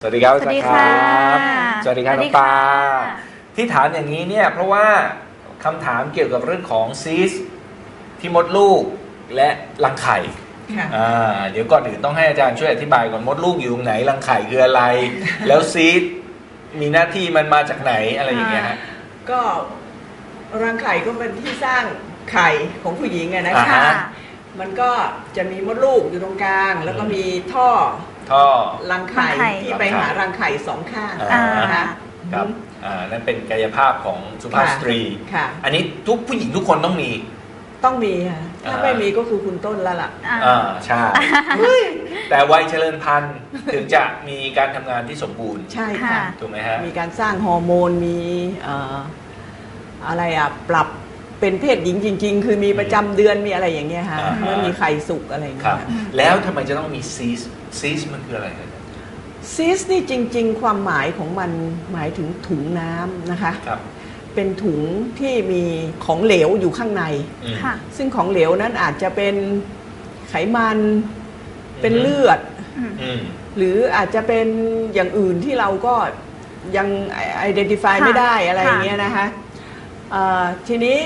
สวัสดีครับอาจารย์ครับสสวัวัสสดีดีครับค่ะน้องปาที่ถามอย่างนี้เนี่ยเพราะว่าคำถามเกี่ยวกับเรื่องของซีสที่มดลูกและรังไข่เดี๋ยวก่อนอื่นต้องให้อาจารย์ช่วยอธิบายก่อนมดลูกอยู่ตรงไหนรังไข่คืออะไร แล้วซีสมีหน้าที่มันมาจากไหนอะไรอย่างเงี้ยฮะก็รังไข่ก็เป็นที่สร้างไข่ของผู้หญิงอะนะคะ มันก็จะมีมดลูกอยู่ตรงกลาง แล้วก็มีท่อรังไข่ที่ไปหารังไข่สองข้างนะคะครับนั่นเป็นกายภาพของสุภาพสตรีอันนี้ทุกผู้หญิงทุกคนต้องมีค่ะถ้าไม่มีก็คือคุณต้นแล้วล่ะใช่แต่วัยเจริญพันธุ์ถึงจะมีการทำงานที่สมบูรณ์ใช่ค่ะถูกไหมฮะมีการสร้างฮอร์โมนมีอะไรปรับเป็นเพศหญิงจริงๆคือมีประจำเดือนมีอะไรอย่างเงี้ยค่ะเมื่อมีไข่สุกอะไรอย่างเงี้ยแล้วทำไมจะต้องมีซีสมันคืออะไรครับซีสนี่จริงๆความหมายของมันหมายถึงถุงน้ำนะคะเป็นถุงที่มีของเหลวอยู่ข้างในซึ่งของเหลวนั้นอาจจะเป็นไขมันเป็นเลือดหรืออาจจะเป็นอย่างอื่นที่เราก็ยัง identify ไม่ได้อะไรอย่างเงี้ยนะคะทีนี้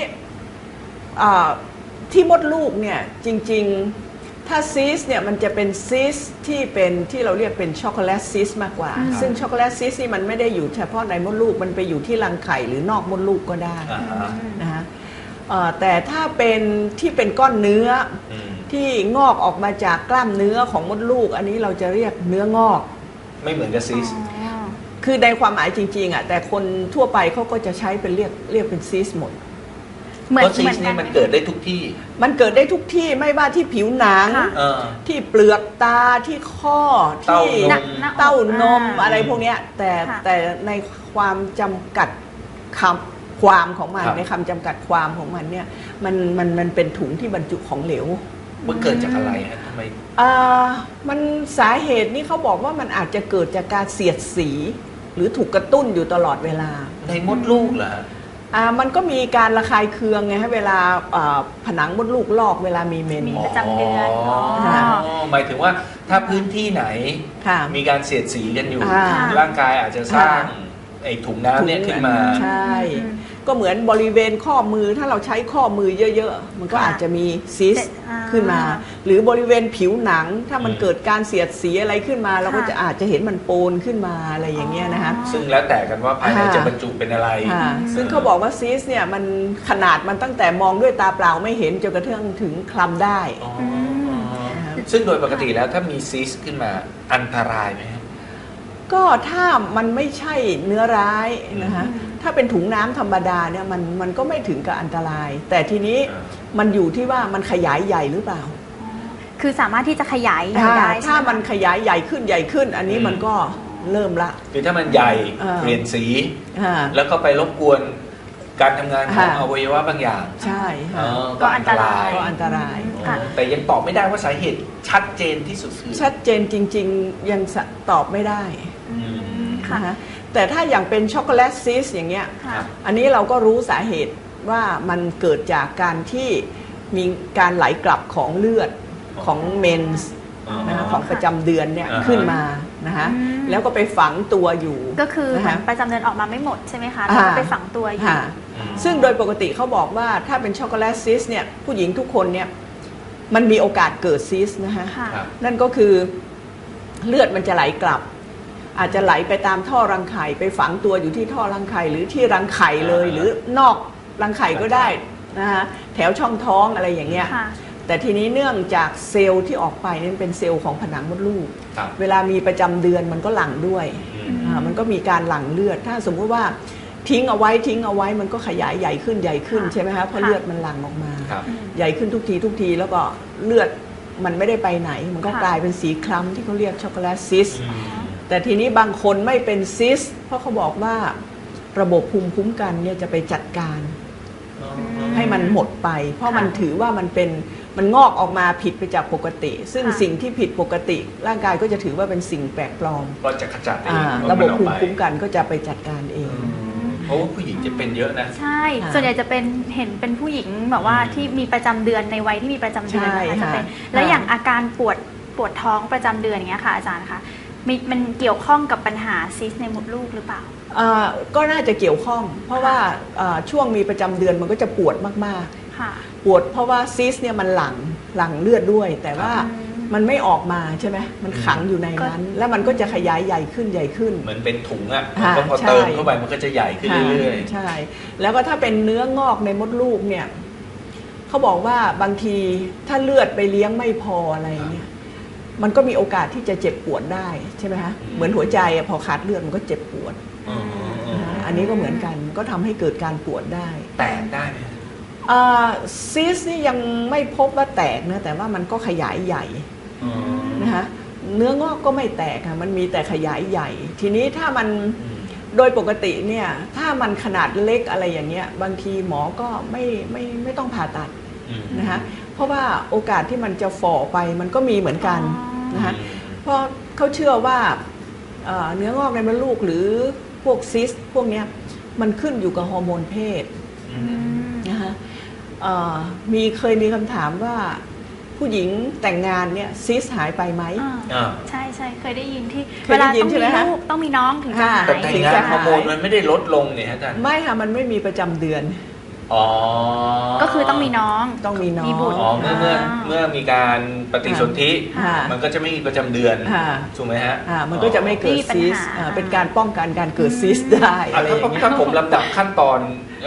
ที่มดลูกเนี่ยจริงๆถ้าซีสเนี่ยมันจะเป็นซีสที่เราเรียกเป็นช็อกโกแลตซีสมากกว่าซึ่งช็อกโกแลตซีสนี่มันไม่ได้อยู่เฉพาะในมดลูกมันไปอยู่ที่รังไข่หรือนอกมดลูกก็ได้นะคะแต่ถ้าเป็นที่เป็นก้อนเนื้อที่งอกออกมาจากกล้ามเนื้อของมดลูกอันนี้เราจะเรียกเนื้องอกไม่เหมือนกับซีสคือในความหมายจริงๆแต่คนทั่วไปเขาก็จะใช้เป็นเรียกเป็นซีสหมดเพราะซีสนี่มันเกิดได้ทุกที่มันเกิดได้ทุกที่ไม่ว่าที่ผิวหนังที่เปลือกตาที่ข้อที่เต้านมอะไรพวกนี้แต่ในความจำกัดความของมันในคำจำกัดความของมันเนี่ยมันเป็นถุงที่บรรจุของเหลวมันเกิดจากอะไรฮะทำไมมันสาเหตุนี่เขาบอกว่ามันอาจจะเกิดจากการเสียดสีหรือถูกกระตุ้นอยู่ตลอดเวลาในมดลูกเหรอมันก็มีการระคายเคืองไงฮะเวลาผนังมดลูกลอกเวลามีเมนมีประจำเดือนหมายถึงว่าถ้าพื้นที่ไหนมีการเสียดสีกันอยู่ร่างกายอาจจะสร้างไอ้ถุงน้ำเนี่ยขึ้นมาใช่ก็เหมือนบริเวณข้อมือถ้าเราใช้ข้อมือเยอะๆมันก็อาจจะมีซิสขึ้นมาหรือบริเวณผิวหนังถ้ามันเกิดการเสียดสีอะไรขึ้นมาเราก็จะอาจจะเห็นมันโปนขึ้นมาอะไรอย่างเงี้ยนะคะซึ่งแล้วแต่กันว่าภายในจะบรรจุเป็นอะไรซึ่งเขาบอกว่าซิสเนี่ยมันขนาดมันตั้งแต่มองด้วยตาเปล่าไม่เห็นจนกระทั่งถึงคลำได้ซึ่งโดยปกติแล้วถ้ามีซิสขึ้นมาอันตรายไหมก็ถ้ามันไม่ใช่เนื้อร้ายนะคะถ้าเป็นถุงน้ำธรรมดาเนี่ยมันก็ไม่ถึงกับอันตรายแต่ทีนี้มันอยู่ที่ว่ามันขยายใหญ่หรือเปล่าคือสามารถที่จะขยายได้ถ้ามันขยายใหญ่ขึ้นอันนี้มันก็เริ่มละคือถ้ามันใหญ่เปลี่ยนสีแล้วก็ไปรบกวนการทำงานของอวัยวะบางอย่างใช่ก็อันตรายแต่ยังตอบไม่ได้ว่าสาเหตุชัดเจนที่สุดคือชัดเจนจริงๆยังตอบไม่ได้นะคะแต่ถ้าอย่างเป็นช็อกโกแลตซีสอย่างเงี้ยอันนี้เราก็รู้สาเหตุว่ามันเกิดจากการที่มีการไหลกลับของเลือดของเมนส์นะคะของประจำเดือนเนี่ยขึ้นมานะคะแล้วก็ไปฝังตัวอยู่ก็คือประจำเดือนออกมาไม่หมดใช่ไหมคะแล้วก็ไปฝังตัวอยู่ซึ่งโดยปกติเขาบอกว่าถ้าเป็นช็อกโกแลตซีสเนี่ยผู้หญิงทุกคนเนี่ยมันมีโอกาสเกิดซีสนะคะนั่นก็คือเลือดมันจะไหลกลับอาจจะไหลไปตามท่อรังไข่ไปฝังตัวอยู่ที่ท่อรังไข่หรือที่รังไข่เลยหรือนอกรังไข่ก็ได้นะคะแถวช่องท้องอะไรอย่างเงี้ยแต่ทีนี้เนื่องจากเซลล์ที่ออกไปนี่เป็นเซลล์ของผนังมดลูกเวลามีประจำเดือนมันก็หลั่งด้วยมันก็มีการหลั่งเลือดถ้าสมมติว่าทิ้งเอาไว้มันก็ขยายใหญ่ขึ้นใช่ไหมคะเพราะเลือดมันหลั่งออกมาใหญ่ขึ้นทุกทีแล้วก็เลือดมันไม่ได้ไปไหนมันก็กลายเป็นสีคล้ำที่เขาเรียกช็อกโกแลตซิสแต่ทีนี้บางคนไม่เป็นซิสเพราะเขาบอกว่าระบบภูมิคุ้มกันเนี่ยจะไปจัดการให้มันหมดไปเพราะมันถือว่ามันงอกออกมาผิดไปจากปกติซึ่งสิ่งที่ผิดปกติร่างกายก็จะถือว่าเป็นสิ่งแปลกปลอมก็จะขจัดเองระบบภูมิคุ้มกันก็จะไปจัดการเองเพราะว่าผู้หญิงจะเป็นเยอะนะใช่ส่วนใหญ่จะเห็นเป็นผู้หญิงแบบว่าที่มีประจำเดือนในวัยที่มีประจำเดือนนะคะจะเป็นแล้วอย่างอาการปวดท้องประจำเดือนอย่างเงี้ยค่ะอาจารย์คะมันเกี่ยวข้องกับปัญหาซิสในมดลูกหรือเปล่าก็น่าจะเกี่ยวข้องเพราะว่าช่วงมีประจำเดือนมันก็จะปวดมากๆปวดเพราะว่าซิสเนี่ยมันหลั่งเลือดด้วยแต่ว่ามันไม่ออกมาใช่ไหมมันขังอยู่ในนั้นแล้วมันก็จะขยายใหญ่ขึ้นใหญ่ขึ้นเหมือนเป็นถุงอ่ะก็พอเติมเข้าไปมันก็จะใหญ่ขึ้นเรื่อยๆใช่แล้วก็ถ้าเป็นเนื้องอกในมดลูกเนี่ยเขาบอกว่าบางทีถ้าเลือดไปเลี้ยงไม่พออะไรเนี่ยมันก็มีโอกาสที่จะเจ็บปวดได้ใช่ไหมคะเหมือนหัวใจพอขาดเลือดมันก็เจ็บปวดอันนี้ก็เหมือนกันก็ทำให้เกิดการปวดได้แตกได้ไหมซิสนี่ยังไม่พบว่าแตกนะแต่ว่ามันก็ขยายใหญ่นะคะเนื้องอกก็ไม่แตกค่ะมันมีแต่ขยายใหญ่ ทีนี้ถ้ามันโดยปกติเนี่ยถ้ามันขนาดเล็กอะไรอย่างเงี้ยบางทีหมอก็ไม่ต้องผ่าตัดนะคะเพราะว่าโอกาสที่มันจะฝ่อไปมันก็มีเหมือนกันนะคะเพราะเขาเชื่อว่าเนื้องอกในมดลูกหรือพวกซิสพวกเนี้ยมันขึ้นอยู่กับฮอร์โมนเพศนะคะเคยมีคำถามว่าผู้หญิงแต่งงานเนี่ยซิสหายไปไหมใช่ใช่เคยได้ยินที่เวลาต้องมีลูกต้องมีน้องถึงจะหายแต่แต่งงานฮอร์โมนมันไม่ได้ลดลงเนี่ยอาจารย์ไม่ค่ะมันไม่มีประจำเดือนก็คือต้องมีน้องมีบุตรเมื่อมีการปฏิสนธิมันก็จะไม่มีประจำเดือนถูกไหมฮะมันก็จะไม่เกิดซิสเป็นการป้องกันการเกิดซิสได้ถ้าผมลำดับขั้นตอน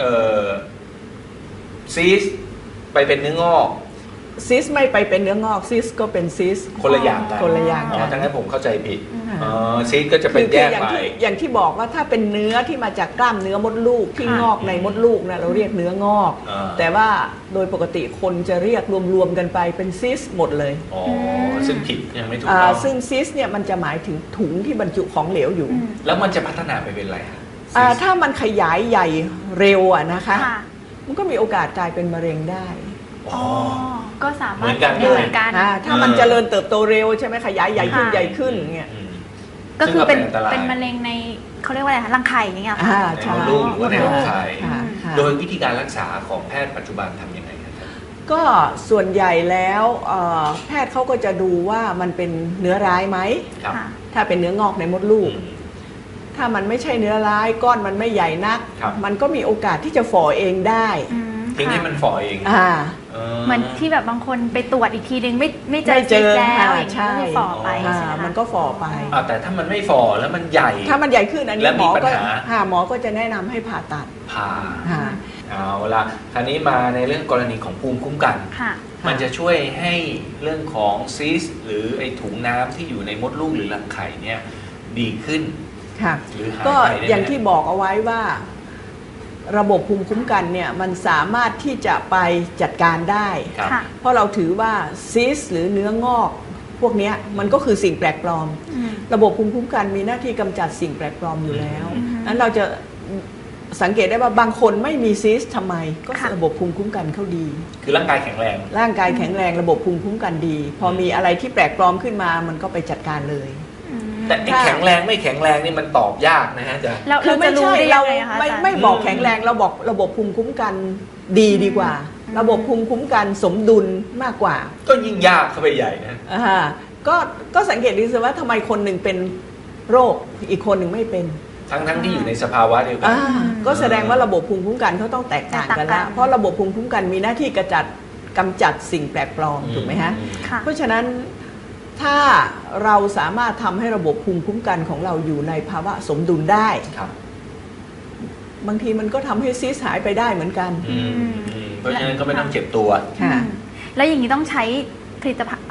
ซิสไปเป็นเนื้องอกซิสไม่ไปเป็นเนื้องอกซิสก็เป็นซิสคนละอย่างกันทั้งนั้นผมเข้าใจผิดซิสก็จะเป็นแยกไปอย่างที่บอกว่าถ้าเป็นเนื้อที่มาจากกล้ามเนื้อมดลูกที่งอกในมดลูกนะเราเรียกเนื้องอกแต่ว่าโดยปกติคนจะเรียกรวมๆกันไปเป็นซิสหมดเลยซึ่งผิดยังไม่ถูกต้องซึ่งซิสเนี่ยมันจะหมายถึงถุงที่บรรจุของเหลวอยู่แล้วมันจะพัฒนาไปเป็นอะไรถ้ามันขยายใหญ่เร็วนะคะมันก็มีโอกาสกลายเป็นมะเร็งได้ก็สามารถเหมือนกันถ้ามันเจริญเติบโตเร็วใช่ไหมขยายใหญ่ขึ้นใหญ่ขึ้นเงี้ยก็คือเป็นมะเร็งในเขาเรียกว่าอะไรคะรังไข่อย่างเงี้ยค่ะในมดลูกหรือว่าในรังไข่โดยวิธีการรักษาของแพทย์ปัจจุบันทำยังไงครับก็ส่วนใหญ่แล้วแพทย์เขาก็จะดูว่ามันเป็นเนื้อร้ายไหมถ้าเป็นเนื้องอกในมดลูกถ้ามันไม่ใช่เนื้อร้ายก้อนมันไม่ใหญ่นักมันก็มีโอกาสที่จะฝ่อเองได้ทิ้งให้มันฝ่อเองเหมือนที่แบบบางคนไปตรวจอีกทีนึงไม่เจอซิสแล้วอย่างนี้ก็คือฝ่อไปมันก็ฝ่อไปแต่ถ้ามันไม่ฝ่อแล้วมันใหญ่ถ้ามันใหญ่ขึ้นอันนี้หมอก็จะแนะนำให้ผ่าตัดเอาละคราวนี้มาในเรื่องกรณีของภูมิคุ้มกันมันจะช่วยให้เรื่องของซิสหรือไอถุงน้ำที่อยู่ในมดลูกหรือรังไข่เนี่ยดีขึ้นหรือหายไปก็อย่างที่บอกเอาไว้ว่าระบบภูมิคุ้มกันเนี่ยมันสามารถที่จะไปจัดการได้เพราะเราถือว่าซิสหรือเนื้องอกพวกนี้มันก็คือสิ่งแปลกปลอมระบบภูมิคุ้มกันมีหน้าที่กำจัดสิ่งแปลกปลอมอยู่แล้วนั้นเราจะสังเกตได้ว่าบางคนไม่มีซิสทำไมก็ระบบภูมิคุ้มกันเขาดีคือร่างกายแข็งแรงระบบภูมิคุ้มกันดีพอมีอะไรที่แปลกปลอมขึ้นมามันก็ไปจัดการเลยแต่แข็งแรงไม่แข็งแรงนี่มันตอบยากนะฮะจ๊ะคือไม่ใช่เราไม่บอกแข็งแรงเราบอกระบบภูมิคุ้มกันดีกว่าระบบภูมิคุ้มกันสมดุลมากกว่าก็ยิ่งยากเข้าไปใหญ่นะก็สังเกตดูสิว่าทำไมคนหนึ่งเป็นโรคอีกคนหนึ่งไม่เป็นทั้งที่อยู่ในสภาวะเดียวกันก็แสดงว่าระบบภูมิคุ้มกันเขาต้องแตกต่างกันแล้วเพราะระบบภูมิคุ้มกันมีหน้าที่กำจัดสิ่งแปลกปลอมถูกไหมฮะเพราะฉะนั้นถ้าเราสามารถทำให้ระบบภูมิคุ้มกันของเราอยู่ในภาวะสมดุลได้บางทีมันก็ทำให้ซิสหายไปได้เหมือนกันเพราะฉะนั้นก็ไม่ต้องเจ็บตัวแล้วอย่างนี้ต้องใช้ผลิตภัณฑ์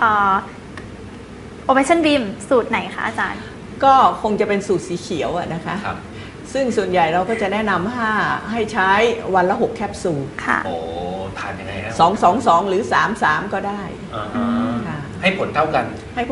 Operation Beam สูตรไหนคะอาจารย์ก็คงจะเป็นสูตรสีเขียวนะคะซึ่งส่วนใหญ่เราก็จะแนะนำให้ใช้วันละ6แคปซูลโอ้ทานยังไงฮะ 2 หรือ3 ก็ได้ให้ผลเท่ากัน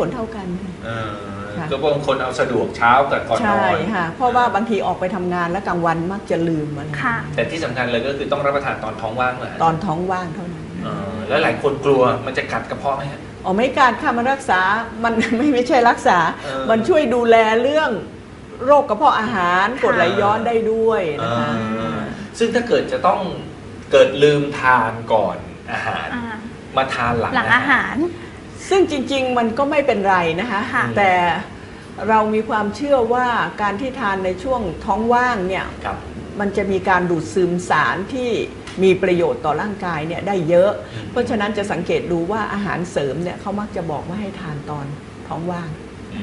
ก็บางคนเอาสะดวกเช้ากับก่อนนอนใช่ค่ะเพราะว่าบางทีออกไปทำงานแล้วกลางวันมักจะลืมอะไรแต่ที่สำคัญเลยก็คือต้องรับประทานตอนท้องว่างเลยตอนท้องว่างเท่านั้นแล้วหลายคนกลัวมันจะกัดกระเพาะไหมฮะไม่กัดค่ะมันรักษามันไม่ใช่รักษามันช่วยดูแลเรื่องโรคกระเพาะอาหารกรดไหลย้อนได้ด้วยนะคะซึ่งถ้าเกิดจะต้องเกิดลืมทานก่อนอาหารมาทานหลังอาหารซึ่งจริงๆมันก็ไม่เป็นไรนะคะแต่เรามีความเชื่อว่าการที่ทานในช่วงท้องว่างเนี่ยครับมันจะมีการดูดซึมสารที่มีประโยชน์ต่อร่างกายเนี่ยได้เยอะ เพราะฉะนั้นจะสังเกตดูว่าอาหารเสริมเนี่ยเขามักจะบอกว่าให้ทานตอนท้องว่าง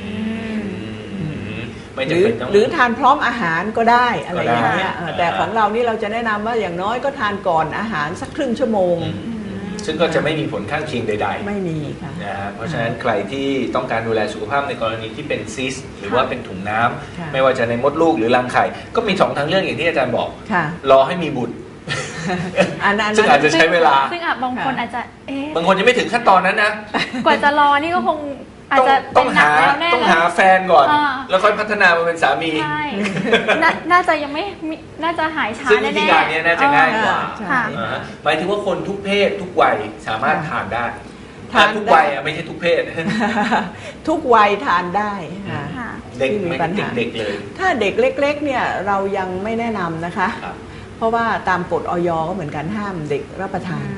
ไม่หจำรือเป็นต้องหรือทานพร้อมอาหารก็ได้อะไรอย่างเงี้ยก็ได้แต่ของเรานี่เราจะแนะนำว่าอย่างน้อยก็ทานก่อนอาหารสักครึ่งชั่วโมงซึ่งก็จะไม่มีผลข้างเคียงใดๆไม่มีค่ะนะฮะเพราะฉะนั้นใครที่ต้องการดูแลสุขภาพในกรณีที่เป็นซิสต์หรือว่าเป็นถุงน้ำค่ะไม่ว่าจะในมดลูกหรือรังไข่ ก็มี2ทางเลือกอย่างที่อาจารย์บอกค่ะรอให้มีบุตรอันนั้นซึ่งอาจจะใช้เวลาซึ่งบางคนอาจจะบางคนยังไม่ถึงขั้นตอนนั้นนะกว่าจะรอนี่ก็คงอาจจะต้องเป็นหนัหากแล้วแน่ต้องเลยหาแฟนก่อนอ่าแล้วค่อยพัฒนามาเป็นสามีใช่น่าจะยังไม่มีน่าจะหายช้าซึ่งแน่วิๆธีการเนี้ยน่าจะง่ายกว่าใช่ค่ะอ่าฮะหมายถึงว่าคนทุกเพศทุกวัยสามารถทานได้ทานทุกได้วัยอะไม่ใช่ทุกเพศทุกวัยทานได้ค่ะค่ะเด็กไม่มีไม่ปัญหาเด็กๆเลยถ้าเด็กเล็กๆเนี่ยเรายังไม่แนะนำนะคะครับเพราะว่าตามกฎอย.ก็เหมือนกันห้ามเด็กรับประทาน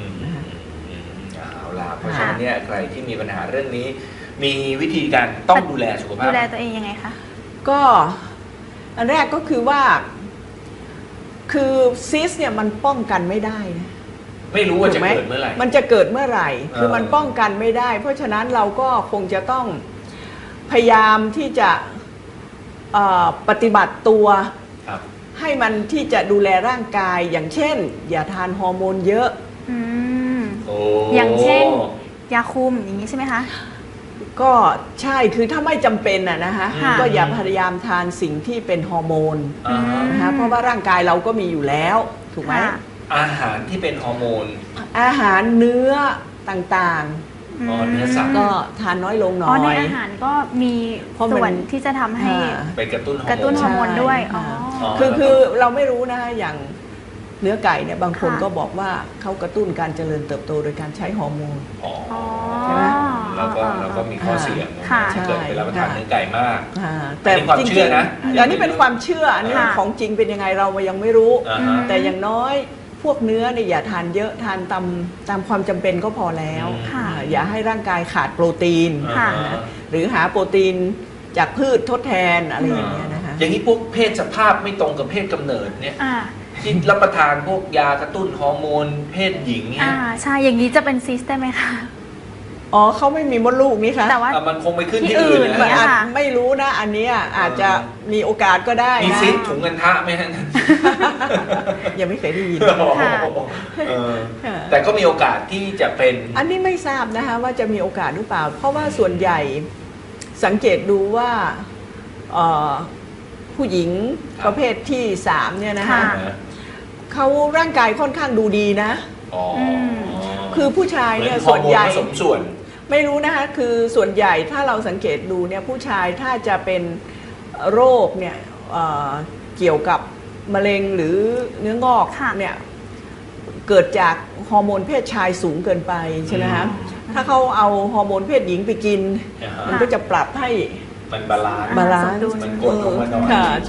เอาล่ะเพราะฉะนั้นเนี่ยใครที่มีปัญหาเรื่องนี้ มีวิธีการต้องดูแลสุขภาดูพแลตัวเองยังไงคะก็อันแรกก็คือว่าคือซิสเนี่ยมันป้องกันไม่ได้นะไม่รู้ว่าจะถูกไหมเกิดเมื่อไหร่มันจะเกิดเมื่อไหร่ คือเออมันป้องกันไม่ได้ เพราะฉะนั้นเราก็คงจะต้องพยายามที่จะปฏิบัติตัวครับให้มันที่จะดูแลร่างกายอย่างเช่น อย่าทานฮอร์โมนเยอะอืมโอ้อย่างเช่น ยาคุมอย่างนี้ใช่ไหมคะก็ใช่คือถ้าไม่จำเป็นนะคะค่ะก็อย่าพยายามทานสิ่งที่เป็นฮอร์โมนอ่าฮะนะคะเพราะว่าร่างกายเราก็มีอยู่แล้วถูกไหมค่ะอาหารที่เป็นฮอร์โมนอาหารเนื้อต่างอ๋อเนื้อสัตว์ๆ ก็ทานน้อยลงหน่อ๋ออในยอาหารก็มีเพราะมันส่วนที่จะทำให้อ่าไปกระตุ้นฮอร์โมนกระตุ้นฮอร์โมนด้วยใช่อ๋ออ๋อคือเราไม่รู้นะคะอย่างเนื้อไก่เนี่ยบางคนค่ะก็บอกว่าเขากระตุ้นการเจริญเติบโตโดยการใช้ฮอร์โมนอ๋ออ๋อใช่ไหมแล้วก็มีข้อเสียงค่ะที่เกิดไปรับประทานใช่เนื้อไก่มากแต่อันนี้ความจริงเชื่อนะๆอันนี้เป็นความเชื่ออันนี้ค่ะของจริงเป็นยังไงเรายังไม่รู้อ่าฮะแต่อย่างน้อยพวกเนื้อเนี่ยอย่าทานเยอะทานตามความจำเป็นก็พอแล้วค่ะอย่าให้ร่างกายขาดโปรตีนค่ะนะหรือหาโปรตีนจากพืชทดแทนอะไรอย่างเงี้ยนะคะอย่างนี้พวกเพศสภาพไม่ตรงกับเพศกำเนิดเนี่ยอ่าที่รับประทานพวกยากระตุ้นฮอร์โมนเพศหญิงเนี่อ่าย ใช่อย่างนี้จะเป็นซิสได้ไหมคะอ๋อเขาไม่มีมดลูกนี่คะแต่ว่ามันคงไปขึ้นที่ที่อื่อื่นนนะมันเนี่ยอาจค่ะไม่รู้นะอันเนี้ยอาจจะมีโอกาสก็ได้มีนะซิสถุงเงินทะไหมฮะยังไม่เคยได้ยินค่ะเออแต่ก็มีโอกาสที่จะเป็นอันนี้ไม่ทราบนะคะว่าจะมีโอกาสหรือเปล่า เพราะว่าส่วนใหญ่สังเกตดูว่าเอ่อผู้หญิงครับประเภทที่3เนี่ยนะคะค่ะเขาร่างกายค่อนข้างดูดีนะอ๋อคือผู้ชายเนี่ยหมือส่วนใหญ่ฮอร์โมผสมส่วนไม่รู้นะคะคือส่วนใหญ่ถ้าเราสังเกตดูเนี่ยผู้ชายถ้าจะเป็นโรคเนี่ยเกี่ยวกับมะเร็งหรือเนื้องอกค่ะเนี่ยเกิดจากฮอร์โมนเพศชายสูงเกินไปใช่ไหมคะถ้าเขาเอาฮอร์โมนเพศหญิงไปกินอ่าฮะมันก็จะปรับให้มันบาลานซ์บาลานซ์สมดุลมันกดลงมาหน่อยค่ะ